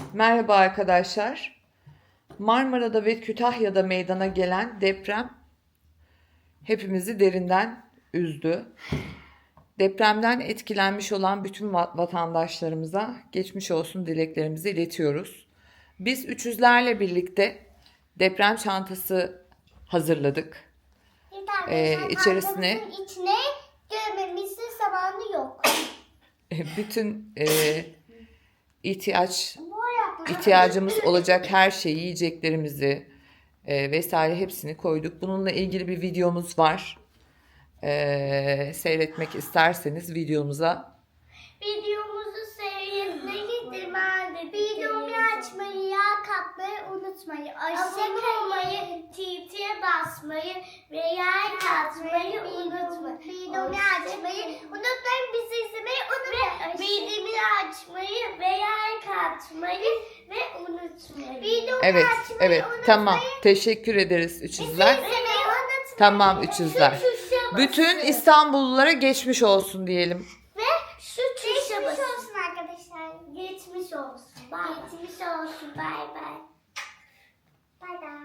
Merhaba arkadaşlar. Marmara'da ve Kütahya'da meydana gelen deprem hepimizi derinden üzdü. Depremden etkilenmiş olan bütün vatandaşlarımıza geçmiş olsun dileklerimizi iletiyoruz. Biz üçüzlerle birlikte deprem çantası hazırladık. İçerisine içine görmemizin zamanı yok. bütün ihtiyacımız olacak her şeyi, yiyeceklerimizi vesaire hepsini koyduk. Bununla ilgili bir videomuz var. Seyretmek isterseniz videomuza. Videomuzu seyretmeyi demendi. Videomu açmayı, yağ katmayı unutmayın. Abone olmayı, titiye basmayı ve yağ katmayı unutmayın. Videomu açmayı unutmayın. Bizi izlemeyi unutmayın. Videomu açmayı ve yağ katmayı ve unutmayın. Videomu Evet, açmayı evet. unutmayın. Tamam. Teşekkür ederiz üçüzler. Bizi izlemeyi unutmayın. Tamam üçüzler. Bütün İstanbullulara geçmiş olsun diyelim. Ve şu tuşa basın. Geçmiş olsun arkadaşlar. Geçmiş olsun. Bye. Geçmiş olsun. Bay bay. Bay bay.